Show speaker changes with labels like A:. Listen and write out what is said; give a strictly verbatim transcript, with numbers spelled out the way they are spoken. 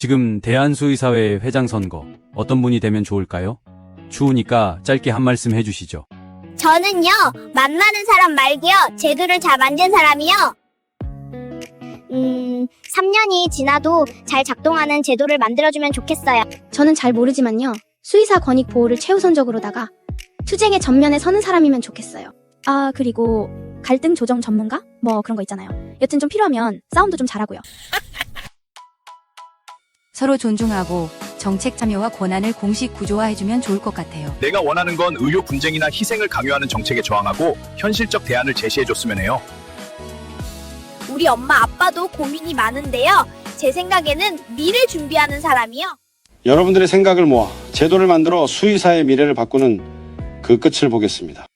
A: 지금 대한수의사회 회장 선거 어떤 분이 되면 좋을까요? 추우니까 짧게 한 말씀 해주시죠.
B: 저는요, 만나는 사람 말고요, 제도를 잘 만든 사람이요. 음, 삼 년이 지나도 잘 작동하는 제도를 만들어주면 좋겠어요.
C: 저는 잘 모르지만요. 수의사 권익 보호를 최우선적으로다가 투쟁의 전면에 서는 사람이면 좋겠어요. 아, 그리고 갈등 조정 전문가? 뭐 그런 거 있잖아요. 여튼 좀 필요하면 싸움도 좀 잘하고요.
D: 서로 존중하고 정책 참여와 권한을 공식 구조화해주면 좋을 것 같아요.
E: 내가 원하는 건 의료 분쟁이나 희생을 강요하는 정책에 저항하고 현실적 대안을 제시해줬으면 해요.
B: 우리 엄마 아빠도 고민이 많은데요. 제 생각에는 미래 준비하는 사람이요.
F: 여러분들의 생각을 모아 제도를 만들어 수의사의 미래를 바꾸는 그 끝을 보겠습니다.